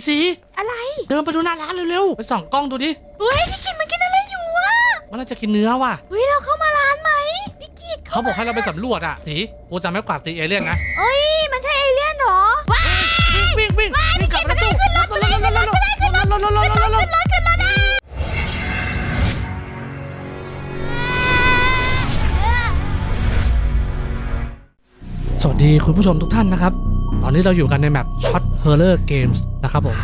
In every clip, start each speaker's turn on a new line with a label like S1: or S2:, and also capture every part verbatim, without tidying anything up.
S1: สี
S2: อะไร
S1: เดินไปดูหน้าร้านเร็วๆไปส่องกล้องดูดิ
S2: เฮ้ยพี่กิตมันกินอะไรอยู่วะ
S1: มันน่าจะกินเนื้อว่ะ
S2: เฮ้ยเราเข้ามาร้านไหมพี่กิต
S1: เขาบอกให้เราไปสำรวจอ่ะสีกูจะไม่กวาดตีเอเลี่ยนนะ
S2: เอ้ยมันใช่เอเลี่ยนเหรอว้า
S1: วิ่งวิ่งวิ่งกลับประตูขึ้นรถขึ้นรถขึ้นรถขึ้นรถขึ้นรถขึ้นรถขึ้นรถขึ้นรถขึ้นรถสวัสดีคุณผู้ชมทุกท่านนะครับตอนนี้เราอยู่กันในแมป Shot Horror Games นะครับผม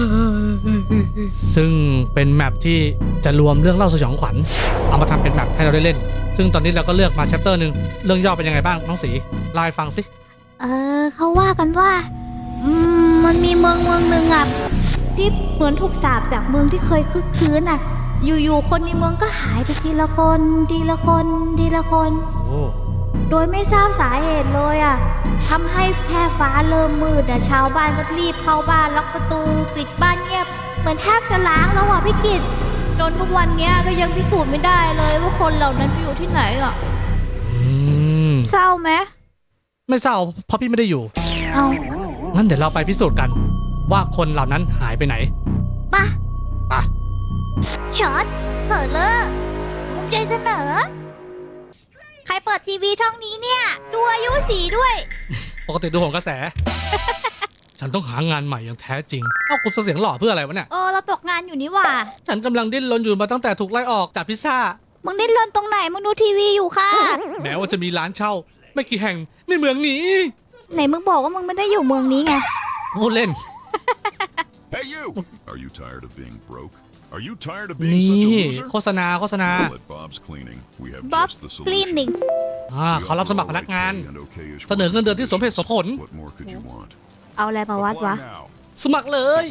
S1: ซึ่งเป็นแมปที่จะรวมเรื่องเล่าสยองขวัญเอามาทำเป็นแมปให้เราได้เล่นซึ่งตอนนี้เราก็เลือกมา chapter หนึ่งเรื่องย่อเป็นยังไงบ้างน้องสีเล่าให้ฟังสิ
S2: เออเขาว่ากันว่าอืมมันมีเมืองเมืองหนึ่งอ่ะที่เหมือนถูกสาปจากเมืองที่เคยคึกคืนอ่ะอยู่ๆคนในเมืองก็หายไปทีละคนทีละคนทีละคน
S1: โอ้
S2: โดยไม่ทราบสาเหตุเลยอ่ะทำให้แค่ฟ้าเริ่มมืดแต่ชาวบ้านก็รีบเข้าบ้านล็อกประตูปิดบ้านเงียบเหมือนแทบจะล้างแล้วอ่ะพี่กิตจนทุกวันนี้ก็ยังพิสูจน์ไม่ได้เลยว่าคนเหล่านั้นไปอยู่ที่ไหนอ่ะ
S1: อืม
S2: เศร้าไหม
S1: ไม่เศร้าเพราะพี่ไม่ได้อยู่
S2: เอา
S1: งั้นเดี๋ยวเราไปพิสูจน์กันว่าคนเหล่านั้นหายไปไหน
S2: ปะ
S1: ปะ
S2: ช็อตเปิดเลยภูมิใจเสนอใครเปิดทีวีช่องนี้เนี่ยดูอายุสีด้วย
S1: ปกติดูของกระแส ฉันต้องหางานใหม่อย่างแท้จริงเอ้ากูเสียงหล่อเพื่ออะไรวะเนี่ย
S2: เออเราตกงานอยู่นี่ว่ะ
S1: ฉันกำลังดิ้นรนอยู่มาตั้งแต่ถูกไล่ออกจากพิซซ่า
S2: มึงดิ้นรนตรงไหนมึงดูทีวีอยู่ค่ะ
S1: แม้ว่าจะมีร้านเช่าไม่กี่แห่งในเมืองนี้
S2: ไหนมึงบอกว่ามึงไม่ได้อยู่เมืองนี้ไง
S1: พูดเล่น
S3: Hey you Are you tired of being broke Are you tired of
S1: นี่
S3: being such a loser
S1: โฆษณาโฆษณา
S3: Bob's Cleaning We have
S2: Bob's
S3: just the
S2: Cleaning
S3: solution
S1: อ่าเขารับสมัครพนักงานเสนอเงินเดือนที่สมเหตุสมผล
S3: What more could you want
S2: เอาอะไรมาวัดวะ
S1: สมัครเลย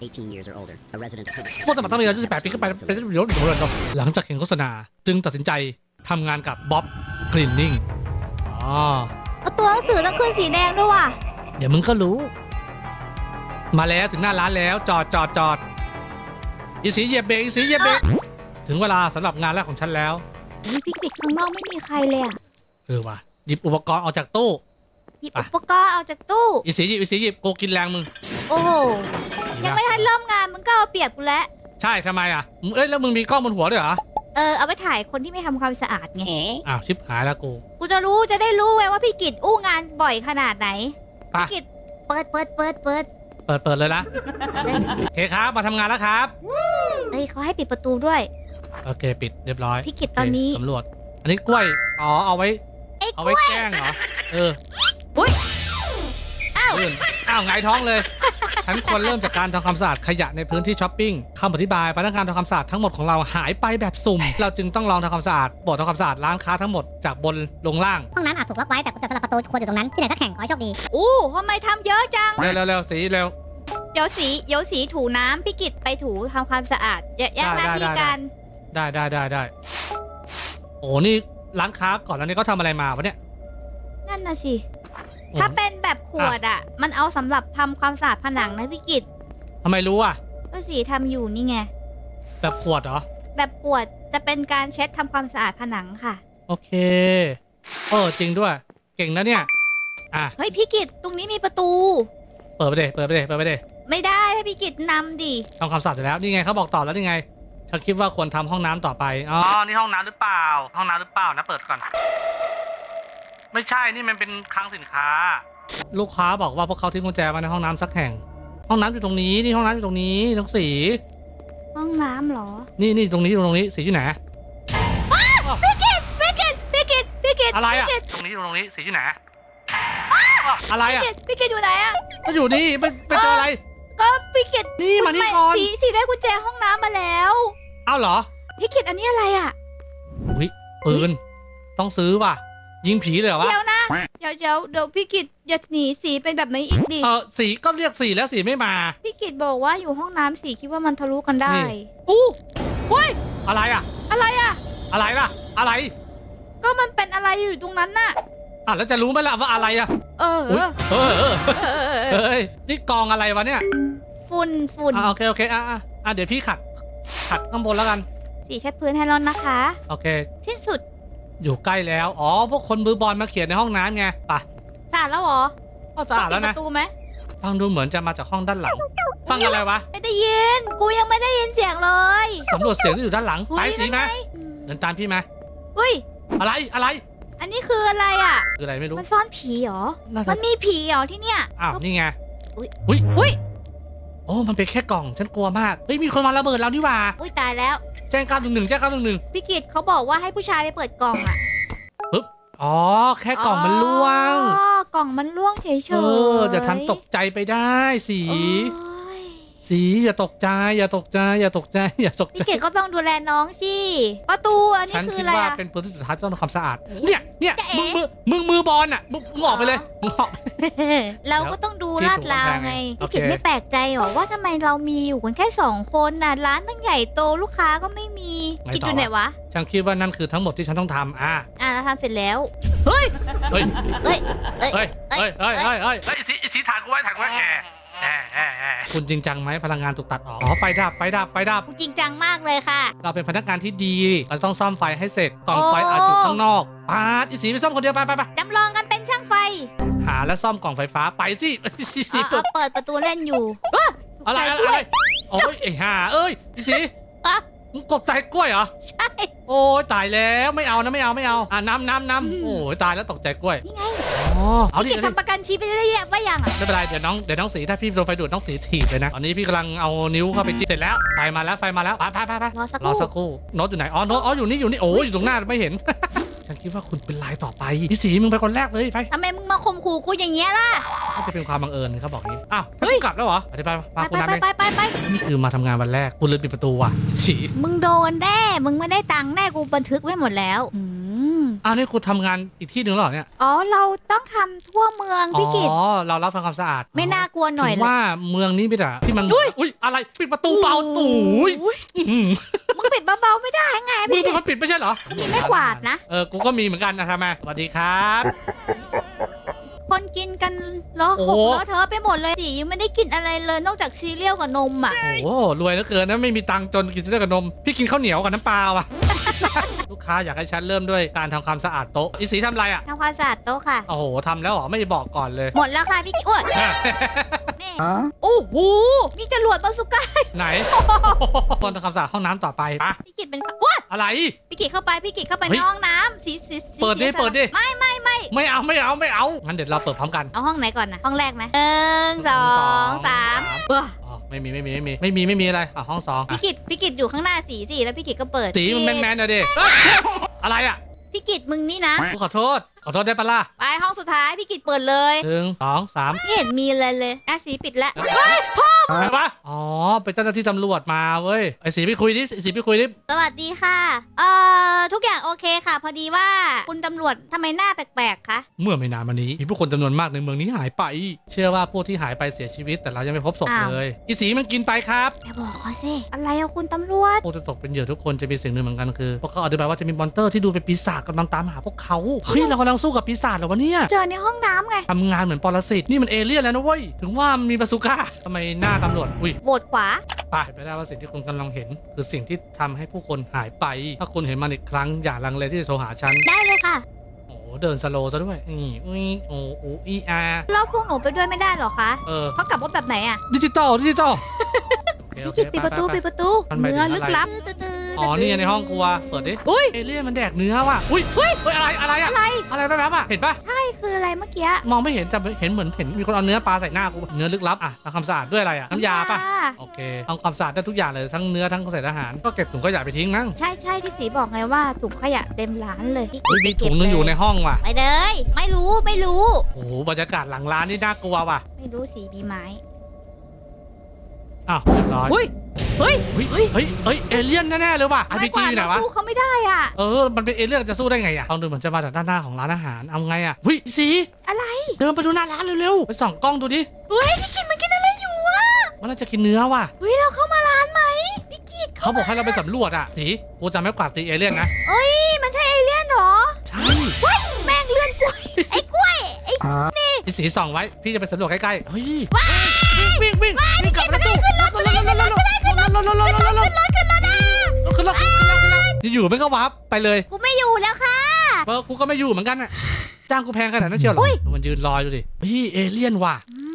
S1: ผู้สมัครต้องมีอายุสิบแปดปีขึ้นไปเป็นประโยชน์หลังจากเห็นโฆษณาจึงตัดสินใจทำงานกับ Bob Cleaning อ๋อ
S2: เอาตัวหนังสือต้องขึ้นสีแดงด้วยว่ะ
S1: เดี๋ยวมึงก็รู้มาแล้วถึงหน้าร้านแล้วจอดจอดจอดอีสีเหยียบเบรกอีสีเหยียบเบรกถึงเวลาสำหรับงานแรกของฉันแล้ว
S2: นี่พี่กิจข้างนอกไม่มีใครเลยอ่ะ
S1: เออว่ะหยิบอุปกรณ์ออกจากตู้
S2: หยิบอุปกรณ์ออกจากตู้
S1: อีสีหยิบอีสีหยิบโกกินแรงมึง
S2: โอ้โหยังไม่ทันเริ่มงานมึงก็เอาเปรียบกูแล้ว
S1: ใช่ทำไมอ่ะเอ้ยแล้วมึงมีกล้องบนหัวด้วยเหรอ
S2: เออเอาไปถ่ายคนที่ไม่ทำความสะอาดไง
S1: อ้าวชิบหายแล้วกู
S2: กูจะรู้จะได้รู้ไว้ว่าพี่กิจอู้งานบ่อยขนาดไหนพี่กิจเปิดเปิดเปิดเปิด
S1: เปิดเปิดเลยนะโอเคครับมาทำงานแล้วครับ
S2: เอ้ยเขาให้ปิดประตูด้วย
S1: โอเคปิดเรียบร้อย
S2: พี่กิจตอนนี้
S1: สำรวจอันนี้กล้วยอ๋อเอาไว้เอาไว้แกล้งเหรอเออ
S2: อุ้ยอ้าว
S1: อ้าวไงท้องเลยฉันควรเริ่มจากการทำความสะอาดขยะในพื้นที่ช้อปปิ้งคำอธิบายพนักงานทำความสะอาดทั้งหมดของเราหายไปแบบสุ่มเราจึงต้องลองทำความสะอาดบททำความสะอาดร้านค้าทั้งหมดจากบนลงล่าง
S4: ห้องน้ำอาจถูกล็อกไว้แต่กุญแจสำหรับประตูควรอยู่ตรงนั้นที่ไหนสักแห่งขอให้โชคดี
S2: อู้ทำไมทำเยอะจัง
S1: เร็วเร็วเร็วสีเร็ว
S2: เดี๋ยวสีเดี๋ยวสีถูน้ำพี่กิจไปถูทำความสะอาดแยกหน้าที่กัน
S1: ได้ได้ได้ได้โอ้นี่ร้านค้าก่อนแล้วนี่เขาทำอะไรมาวะเนี่ย
S2: นั่นน่ะสิถ้าเป็นแบบขวดอ่ะมันเอาสำหรับทำความสะอาดผนังนะพี่กิจ
S1: ทำไมรู้อ่ะ
S2: ก็สีทำอยู่นี่ไง
S1: แบบขวดเหรอ
S2: แบบขวดจะเป็นการเช็ดทำความสะอาดผนังค่ะ
S1: โอเคเออจริงด้วยเก่งนะเนี่ยอ่ะ
S2: เฮ้ยพี่กิจตรงนี้มีประตู
S1: เปิดไปเลยเปิดไปเลยเปิดไปเลย
S2: ไม่ได้ให้พี่กิจนำดิ
S1: ทำความสะอาดเสร็จแล้วนี่ไงเขาบอกต่อแล้วนี่ไงฉันคิดว่าควรทำห้องน้ำต่อไปอ๋อนี่ห้องน้ำหรือเปล่าห้องน้ำหรือเปล่านะเปิดก่อนไม่ใช่นี่มันเป็นคลังสินค้าลูกค้าบอกว่าพวกเขาทิ้งกุญแจไว้ในห้องน้ำสักแห่งห้องน้ำอยู่ตรงนี้นี่ห้องน้ำอยู่ตรงนี้ตรงสี
S2: ห้องน้ำเหรอ
S1: นี่นี่ตรงนี้ตรงนี้สีที่ไหน
S2: พี่กิจพี่กิจพี่กิจพี่กิจ
S1: อะไรอะตรงนี้ตรงนี้สีที่ไหนอะไรอะ
S2: พี่กิจอยู่ไหนอะ
S1: ก็อยู่นี่ไปไปเจออะไร
S2: ก็พี่กิจ
S1: นี่มานี่ก่อน
S2: สีสีได้กุญแจห้องน้ำมาแล้ว
S1: อ้าวเหรอ
S2: พี่กิจอันนี้อะไรอะ
S1: อุ้ยปืนต้องซื้อป่ะยิงผีเลยเหรอวะ
S2: เดี๋ยวนะเดี๋ยวเดี๋ยวเดี๋ยวพี่กิจอย่าหนีสีเป็นแบบนี้อีกดิ
S1: เออสีก็เรียกสีแล้วสีไม่มา
S2: พี่กิจบอกว่าอยู่ห้องน้ำสีคิดว่ามันทะลุกันได้อู้เฮ้ย
S1: อะไรอะ
S2: อะไรอะ
S1: อะไรล่ะอะไร
S2: ก็มันเป็นอะไรอยู่ตรงนั้นน่ะ
S1: อ่ะแล้วจะรู้ไหมล่ะว่าอะไรอะ
S2: เออเออ
S1: เออเฮ้ยนี่กองอะไรวะเนี่ย
S2: ฝุ่นฝุ่น
S1: อ่ะโอเคโอเคอ่ะอ่ะเดี๋ยวพี่ขัดขัดข้างบนแล้วกัน
S2: สีเช็ดพื้นให้เรานะคะ
S1: โอเค
S2: ที่สุด
S1: อยู่ใกล้แล้วอ๋อพวกคนมือบอลมาเขียนในห้องน้ำไงป่ะ
S2: สะอาดแล้วเหรอ
S1: ก็สะอาดแล้วนะ
S2: ประตูไหม
S1: ฟังดูเหมือนจะมาจากห้องด้านหลังฟังอะไรวะ
S2: ไม่ได้ยิน กูยังไม่ได้ยินเสียงเลย
S1: สำรวจเสียงที่อยู่ด้านหลัง ไปสีไหม
S2: เฮ้ย
S1: เดินตามพี่ไหม
S2: เฮ้ย
S1: อะไรอะไร
S2: อันนี้คืออะไรอ่ะ
S1: คืออะไรไม่รู้
S2: มันซ่อนผีเหรอ
S1: น่าจะ
S2: มันมีผีเหรอที่เนี่ย
S1: อ้าวนี่ไง
S2: อุ๊ย
S1: อุ้ย
S2: อุ๊ย
S1: โอ้มันเป็นแค่กล่องฉันกลัวมากเฮ้ยมีคนมาระเบิดแล้วนี่หว่า
S2: อุ้ยตายแล้ว
S1: แจ้งเก้าหนึ่งหนึ่งแจ้งเก้าหนึ่งหนึ่ง
S2: พี่กิตเขาบอกว่าให้ผู้ชายไปเปิดกล่องอ่ะ
S1: ปึ๊บอ๋อแค่กล่องมันล่วง
S2: อ๋อกล่องมันล่วงเฉยๆ
S1: เออจะทำตกใจไปได้สี
S2: โอ้ย
S1: สีอย่าตกใจ อย่าตกใจ อย่าตกใจ อย่าตกใจ
S2: พี่กิตก็ต้องดูแลน้องสิประตูอันนี้
S1: ฉัน
S2: คือ
S1: คิด
S2: อะไร
S1: ว่า
S2: อ่ะ
S1: เป็นพื้นที่สุดท้ายที่ต้องทำความสะอาด
S2: เอ๊ะ
S1: เนี่ยเนี่ย
S2: จะเอ๊ะ
S1: มึงมือมึงมือบอลอ่ะมึงมึงออกไปเลยมึงออก
S2: เราก็ต้องดู
S1: ที่
S2: ลาดราว
S1: ถูกกำแพง
S2: ไง
S1: โอ
S2: พี่
S1: เค
S2: กิตไม่แปลกใจหรอว่าทำไมเรามีอยู่กันแค่สองคนน่ะร้านตั้งใหญ่โตลูกค้าก็ไม่มีกิตอยู่ไหนวะ
S1: ฉันคิดว่านั่นคือทั้งหมดที่ฉันต้องทำอ่ะ
S2: อ่ะเราทำเสร็จแล้วเฮ้ย
S1: เฮ้ย
S2: เฮ้ยเฮ้ย
S1: เฮ้ย เฮ้ย เฮ้ย เฮ้ย เฮ้ยเฮ้ยสีสีถ่ายกูไว้ถ่ายกูไว้แอะแอะแอะแอะคุณจริงจังไหมพลังงานถูกตัดออก อ๋อ ไฟดับ ไฟดับ ไฟดับ
S2: จริงจังมากเลยค่ะ
S1: เราเป็นพนักงานที่ดี เราต้องซ่อมไฟให้เสร็จ กล่อง
S2: โอ้
S1: ไฟอาจอยู่ข้างนอกปาดอีสีไปซ่อมคนเดียวไปไปไป
S2: จำลองกันเป็นช่างไฟ
S1: หาและซ่อมกล่องไฟฟ้าไปสิ สี
S2: เอา
S1: เปิด
S2: เอาเปิดประตูเล่นอยู่ว้า
S1: อะไร
S2: ตก
S1: อะไร
S2: ใจด้
S1: อะ
S2: ว
S1: ไร
S2: ย
S1: โอ้ยไอ้ห่าเอ้ยอีสี
S2: อะ
S1: มึงกบใจกล้วยเหรอ
S2: ใช่
S1: โอ้ยตายแล้วไม่เอานะไม่เอาไม่เอาอ่ะน้ำน้ำน้ำโอ้ยตายแล้วตกใจกล้วย
S2: นี่ไง
S1: อ๋อเอาดิ
S2: พี่กิต
S1: เอาดิ
S2: ทำประกันชีพไปได้ยังว่ายังอ่ะ
S1: ไม่เป็นไรเดี๋ยวน้องเดี๋ยวน้องสีถ้าพี่โดนไฟดูดน้องสีถีบเลยนะตอนนี้พี่กำลังเอานิ้วเข้าไปจิ้มเสร็จแล้วไฟมาแล้วไฟมาแล้วไปไปไปไป
S2: รอสักค
S1: รอ
S2: รู่
S1: สักครู่โน้ตอยู่ไหนอ๋อโน้ตอ๋ออยู่นี่อยู่นี่โอ้ยอยู่ตรงหน้าไม่เห็น ฉันคิดว่าคุณเป็นลายต่อไปพี่สีมึงไปคนแรกเลยไป
S2: ทำไมมึงมาข่มขู่กูอย่างเงี้ยล่ะ
S1: น่าจะเป็นความบังเอิญเขาบอกงี้อ้าว
S2: เฮ้ย
S1: กลับแล้วเหรอไปไปไป
S2: ไป
S1: คุณน้ำ
S2: ไป
S1: เอง
S2: ไปไปไป
S1: นี่คือมาทำงานวันแรกคุณลืมปิดประตูว่ะสี
S2: มึงโดนแน่มึงไม่ได้ตังค์แน่กูบันทึกไว้หมดแล้วอืม
S1: อ้าวนี่คุณทำงานอีกที่หนึ่งแล้วเหรอเนี่ย
S2: อ๋อเราต้องทำทั่วเมืองพี่กิต
S1: อ๋อเรารับทำความสะอาด
S2: ไม่น่ากลัวหน่อย
S1: ถึง
S2: เลย
S1: ว่าเมืองนี้ไม่แต่ที่มัน
S2: อุ้ย
S1: อุ้ยอะไรปิดประตูเบาโอ้ย
S2: อุ้ย
S1: อื้อหือ
S2: มึงปิดเบาๆไม่ได้ไง
S1: มื
S2: พี่
S1: อ
S2: กิต
S1: มันปิดไม่ใช่เหรอ
S2: มีไม่กวาดนะ
S1: เออ กูก็มีเหมือนกันนะทำไมสวัสดีครับ
S2: คนกินกันล้อ
S1: โอ้
S2: หกล้อเธอะไปหมดเลยสิยังไม่ได้กินอะไรเลยนอกจากซีเรียลกับนมอ่ะ
S1: โอ้โหรวยเหลือเกินนะ ไม่มีตังค์จนกินเส้นกับนม พี่กินข้าวเหนียวกับน้ำปลาว่ะ ลูกค้าอยากให้ฉันเริ่มด้วยการทำความสะอาดโต๊ะ อีสีทำอะไรอ่ะ
S2: ทำความสะอาดโต๊ะค่ะ
S1: โอ้โหทำแล้วเหรอ ไม่บอกก่อนเลย
S2: หมดแล้วค่ะพี่กิตโอ้ยแม่โอ้โหมีจรวดบาซูก้า
S1: ไหน คนทำความสะอาดห้องน้ำต่อไปปะ
S2: พี่กิตเป็นว้า
S1: อะไร
S2: พี่กิตเข้าไปพี่กิตเข้าไป
S1: เฮ้
S2: ใน
S1: ย
S2: ห้องน้ำสีสีสี
S1: เปิดดิ
S2: สี
S1: เปิดดิ
S2: ไม่ไม่ไม่
S1: ไม่เอาไม่เอาไม่เอา งั้นเดี๋ยวเราเปิดพร้อมกัน
S2: เอาห้องไหนก่อนนะห้องแรกไหมหนึ่งสองสามว้า
S1: อ๋อ ไม่มีไม่มีไม่มีไม่มีไม่มีอะไรอ่ะห้องสองอ่ะ
S2: พี่กิตพี่กิตอยู่ข้างหน้าสีสิแล้วพี่กิตก็เปิด
S1: สีมันแมนแมนๆนะเด็อะไรอ่ะ
S2: พี่กิตมึงนี่นะ
S1: กูขอโทษ ขอโทษได้ปะล่ะ
S2: ไปห้องสุดท้ายพี่กิตเปิดเลย
S1: หนึ่งสองสาม
S2: ไม่เห็นมีอะไรเลยอ่ะสีปิดแล้ว
S1: อะไรวะอ๋อ เป็นเจ้าหน้าที่ตำรวจมาเว้ย ไอ้สีไปคุยดิ สีไปคุยดิ
S2: สวัสดีค่ะ เอ่อ ทุกอย่างโอเคค่ะ พอดีว่าคุณตำรวจทำไมหน้าแปลกๆ คะ
S1: เมื่อไม่นานมานี้ มีผู้คนจำนวนมากในเมืองนี้หายไป เชื่อว่าผู้ที่หายไปเสียชีวิต แต่เรายังไม่พบศพ
S2: อ้าว
S1: เลย อีสีมันกินไปครับ
S2: ไปบอกเขาสิอะไรอะคุณตำรวจ
S1: ผู้ที่ตกเป็นเหยื่อทุกคนจะมีสิ่งหนึ่งเหมือนกันคือ พวกเขาอธิบายว่าจะมีมอนเตอร์ที่ดูเป็นปีศาจกำลังตามหาพวกเขา เฮ้ย เรากำลังสู้กับปีศาจเหรอวะเนี่ย
S2: เจอในห้องน้ำไง
S1: ทำงานเหมือนปรสิต นี่มันเอเลี่ยนแล้วนะเว้ย ถึงว่ามันมีบาซูก้าทำไมหน้าตำรวจ อุ้ย
S2: โหวตขวา
S1: ไปไปได้ว่าสิ่งที่คุณกำลังเห็น คือสิ่งที่ทำให้ผู้คนหายไป ถ้าคุณเห็นมันอีกครั้งอย่าลังเลที่จะโทรหาฉัน
S2: ได้เลยค่ะ
S1: โอ้โหเดินสโลว์ซะด้วยนี่อุ้ยโอ้โออีอา
S2: แล้วพวกหนูไปด้วยไม่ได้เหรอคะ
S1: เออ
S2: เขากลับรถแบบไหนอะ
S1: ดิจิตอลดิจิตอลโอเค
S2: พี่
S1: โอเค
S2: กิตปิดประตู
S1: ไไ
S2: ปิดประตู
S1: มันหมายถึง
S2: เนื้อ
S1: อะไร
S2: ลึกลับตื้อๆ
S1: อ๋อนี่ไงในห้องครัวเปิดดิ
S2: อุ้ย
S1: เอเลี่ยนมันแดกเนื้อว่ะอุ้ยเฮ้ยเฮ้ยอะไรอะไรอะ
S2: อะไร
S1: อะไรแป๊บๆอะเห็นปะ
S2: ใช่คืออะไรเมื่อกี้
S1: มองไม่เห็นแต่เห็นเหมือนเห็นมีคนเอาเนื้อปลาใส่หน้ากูเนื้อลึกลับอะทำความสะอาดด้วยอะไรอะน้ำยาปะโอเคทำความสะอาดได้ทุกอย่างเลยทั้งเนื้อทั้งเศษอาหารก็เก็บถุงขยะไปทิ้งมั้ง
S2: ใช่ใช่ที่สีบอกไงว่าถุงขยะเต็มร้านเลยพี่กิ
S1: อุ้ย
S2: ต
S1: มี
S2: ไปเก็
S1: ถุ
S2: บ
S1: งนึงอยู่ใน
S2: เลย
S1: ห้องว่ะ
S2: ไปเลย ไม่รู้ไม่รู้
S1: โอ้โหบรรยากาศหลังร้านนี่น่ากลัวว่ะ
S2: ไม่รู้สีมีไม้
S1: อ้าวเรียบร้อย
S2: อุ้ยเฮ้ย
S1: เฮ้ยเฮ้ยเฮ้ยเฮ้ยเอเลี่ยนแน่ๆเลยว่ะอาร์พีจีอยู่ไหนวะ
S2: สู้เขาไม่ได้อ่ะ
S1: เออมันเป็นเอเลี่ยนจะสู้ได้ไงอะลองดูเหมือนจะมาจากด้านหน้าของร้านอาหารเอาไงอะหุ้ยสี
S2: อะไร
S1: เดินไปดูหน้าร้านเร็วๆไปส่องกล้องดูดิ
S2: เฮ้ยพี่กิตมันกินอะไรอยู่วะ
S1: มันน่าจะกินเนื้อว่ะ
S2: เฮ้ยเราเข้ามาร้านไหมพี่กิต
S1: เขาบอกให้เราไปสำรวจอะสีกูจะไม่กวาดตีเอเลี่ยนนะ
S2: เอ้ยมันใช่เอเลี่ยนเหรอ
S1: ใช่
S2: แม่งเลื่อนกล้วยไอ้กล้วยไอ้
S1: พี่สีส่องไว้พี่จะไปสำรวจใกล้ๆเฮ้ยวิ่งวิ่งวิ่งวิ่งกลับมาตู้ขึ้นรถขึ้นรถขึ้นรถขึ้นรถขึ้นรถขึ้นรถขึ้นรถขึ้นรถขึ้นรถขึ้นรถอยู่ๆไม่ก็วับไปเลย
S2: กูไม่อยู่แล้วค่ะ
S1: เออกูก็ไม่อยู่เหมือนกันอะจ้างกูแพงขนาดนั้นเชียวเหรอมันยืนรออยู่ดิเฮ้ยเอเลี่ยนว่ะ
S2: อืม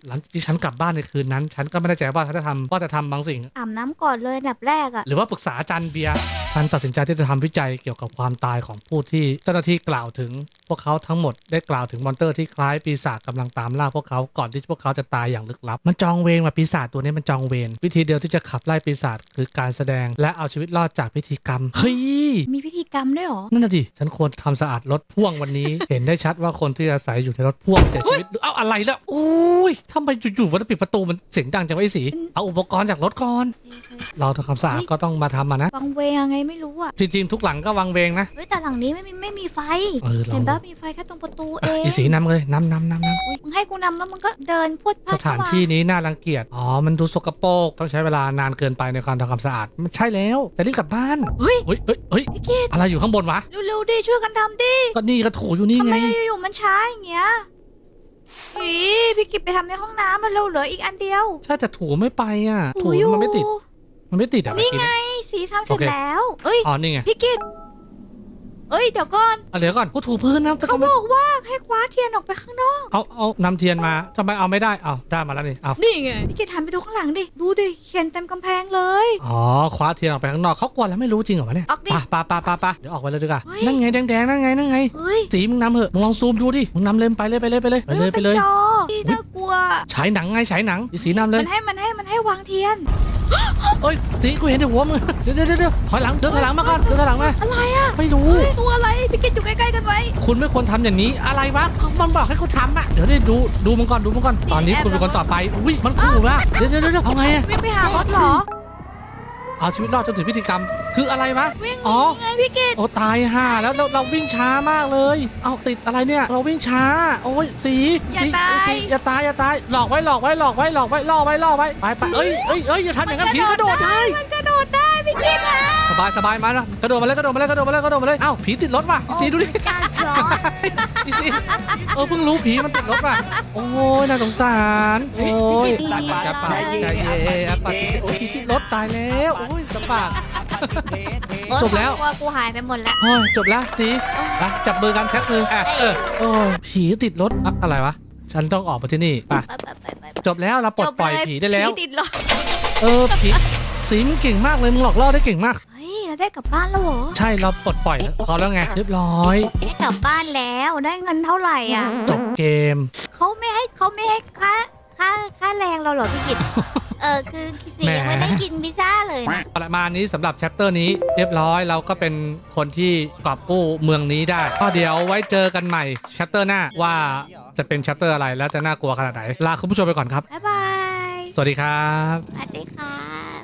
S1: หลังจากที่ฉันกลับบ้านในคืนนั้น ฉันก็ไม่แน่ใจว่าฉันจะทำว่าจะทำบางสิ่ง
S2: อาบน้ำก่อนเลยอันดับแรกอะ
S1: หรือว่าปรึกษาอาจารย์เบียร์ฉันตัดสินใจที่จะทำวิจัยเกี่ยวกับความตายของผู้ที่เจ้าหน้าที่กล่าวถึง พวกเขาทั้งหมดได้กล่าวถึงมอนเตอร์ที่คล้ายปีศาจกำลังตามล่าพวกเขาก่อนที่พวกเขาจะตายอย่างลึกลับมันจองเวรมาปีศาจตัวนี้มันจองเวรวิธีเดียวที่จะขับไล่ปีศาจคือการแสดงและเอาชีวิตรอดจากพิธีกรรมเฮ้ย
S2: มีพิธีกรรมด้วยเหรอ
S1: นั่นน่ะดิฉันควรทำสะอาดรถพ่วงวันนี้ เห็นได้ชัดว่าคนที่อาศัยอยู่ในรถพ่วงเสียชีวิตเอ้าอะไรแล้วโอ้ยทำไมอยู่ๆวันปิดประตูมันเสียงดังจังวะไอ้สีเอาอุปกรณ์จากรถก่อนเราทำความสะอาดก็ต้องมาทำมานะ
S2: วังเวงยังไงไม่รู้อะ
S1: จริงๆทุกหลังก็วังเวงนะ
S2: เฮ้ยแต่หลังนี้ไม่มีไม่มีไฟ
S1: เออเรา
S2: เห็นปะมีไฟแค่ตรงประตูเอง
S1: อีสีนำเลยนำนำนำน
S2: อุ๊ยมึงให้กูนำแล้วมึงก็เดินพรวดพลา
S1: ำ
S2: ด
S1: สถานที่นี้น่ารังเกียจอ๋อมันดูสกปรกต้องใช้เวลานานเกินไปในการทำความสะอาดมันใช่แล้วจะรีบกลับบ้าน
S2: เฮ้ย
S1: เฮ้ยเฮ้ยเฮ้ย
S2: พี่กิต
S1: อะไรอยู่ข้างบนวะ
S2: เร็วๆดิช่วยกันทำดิ
S1: ก็นี่ก็ถูอยู่นี่
S2: ทำ
S1: ไง
S2: ไมอยู่ๆมันช้าอย่างเงี้ยอีพี่กิตไปทำในห้องน้ำมันเร็วเหลืออีกอันเดียว
S1: ใช่แต่ถูไม่ไปอ่ะถู
S2: อยู่
S1: มันไม่ติดมันไม่ติดอ่ะ
S2: นี่
S1: เมื่อกี้
S2: ไง
S1: เย
S2: สีทำเสร็จ
S1: โอเค
S2: แล้ว เอ้ย
S1: อ๋อนี่ไง
S2: พี่กิตเอ้ยเดี๋ยวก่อน
S1: เอาเดี๋ยวก่อนกูถูพื้นนะแต่
S2: เขา
S1: ทำไม
S2: บอกว่าให้คว้าเทียนออกไปข้างนอก
S1: เอาเอานำเทียนมาทำไมเอาไม่ได้เอาได้มาแล้วนี่เอา
S2: นี่ไงพี่กิตหันไปดูข้างหลังดิดูดิเขียนเต็มกำแพงเลย
S1: อ๋อคว้าเทียนออกไปข้างนอกเขากลัวแล้วไม่รู้จริงเหรอวะเนี่ย
S2: ออกดิ
S1: ปะปะปะปะปะเดี๋ยวออกไปเลยดีกว่า
S2: เฮ้ย
S1: นั่นไงแดงๆนั่นไงนั่นไง
S2: เฮ้ย
S1: สีมึงนำเหอะมึงลองซูมดูดิมึงนำเลยไปเลยไปเลยไปเลยไปเลยไปเลย
S2: มันจอที่น่ากลัว
S1: ฉายหนังไงฉายหนังอีสีนำเลย
S2: มันให้มันให้มันให้วางเทียน
S1: เอ้ยสีกูเห็นแต่หัวมึงเดี๋ยวเดี๋ยวเดี๋ยวถอยหลังเดินถอยหลังมาก่อนเดินถอยหลังมา
S2: อะไรอะ
S1: ไม่รู้
S2: เฮ้ยตัวอะไรพี่กิตอยู่ใกล้ๆกันไว้
S1: คุณไม่ควรทำอย่างนี้อะไรวะเขามันบอกให้เขาทำอ่ะเดี๋ยวได้ดูดูมันก่อนดูมันก่อนตอนนี้คุณเป็นคนต่อไปอุ้ยมันขู่ว่ะเดี๋ยวเดี๋ยวเดี๋ยวเอาไงอะ
S2: วิ่งไปหารถเหรอ
S1: เอาชีวิตรอดจนถึงพิธีกรรมคืออะไรวะ
S2: วิ่ง
S1: อ๋อ
S2: ไงพี่กิต
S1: โอ้ตายห่าแล้วเราเราวิ่งช้ามากเลย เอาติดอะไรเนี่ย เราวิ่งช้า โอ้ยสีสีสีอย่าตายอย่าตายหลอกไว้หลอกไว้หลอกไว้หลอกไว้ล่อไว้ล่อไว้ไปไปเอ้ยเอ้ยเอ้ยอย่าทำอย่างนั้นผีกระโดดได้
S2: มันกระโดดได้พี่กิตอะ
S1: สบายสบายมาแล้วกระโดดมาเลยกระโดดมาเลยกระโดดมาเลยกระโดดมาเลยเอ้าผีติดรถว่ะอีสีดูดิ
S2: จ้าจอด
S1: อีสีเออเพิ่งรู้ผีมันติดรถว่ะโอ้ยน่าสงสารโอ้ยจะปาใจเย็นปาโอ้ยผีติดรถตายแล้วโอ้ยจะปาก จบแล้ว
S2: กลัวกูหายไปหมดแล้ว
S1: โอ้ยจบแล้วสีไปจับมือกันแท็กมืออ่ะเออโอ้ยผีติดรถอะอะไรวะฉันต้องออกมาที่นี่ไป
S2: ไปไปไปไป
S1: จบแล้วเราปลดปล่อยผีได้แล้ว
S2: ผีติดเหรอ
S1: เออผีสีมึงเก่งมากเลยมึงหลอกล่อได้เก่งมาก
S2: เฮ้ยเราได้กลับบ้านแล้วเหรอ
S1: ใช่เราปลดปล่อยแล้วเขาแล้วไงเรียบร้อย
S2: ได้กลับบ้านแล้วได้เงินเท่าไหร่อ่ะ
S1: จบเกม
S2: เขาไม่ให้เขาไม่ให้ค่าค่าค่าแรงเราเหรอพี่กิต เออคือสี
S1: แหม
S2: ยังไม่ได้กินพิซซ่าเลยนะ
S1: ประมาณนี้สำหรับแชปเตอร์นี้เรียบร้อยเราก็เป็นคนที่กอบกู้เมืองนี้ได้ก็เดี๋ยวไว้เจอกันใหม่แชปเตอร์หน้าว่าจะเป็นแชปเตอร์อะไรแล้วจะน่ากลัวขนาดไหนลาคุณผู้ชมไปก่อนครับ
S2: บ๊ายบาย
S1: สวัสดีครับ
S2: สวัสดีค่ะ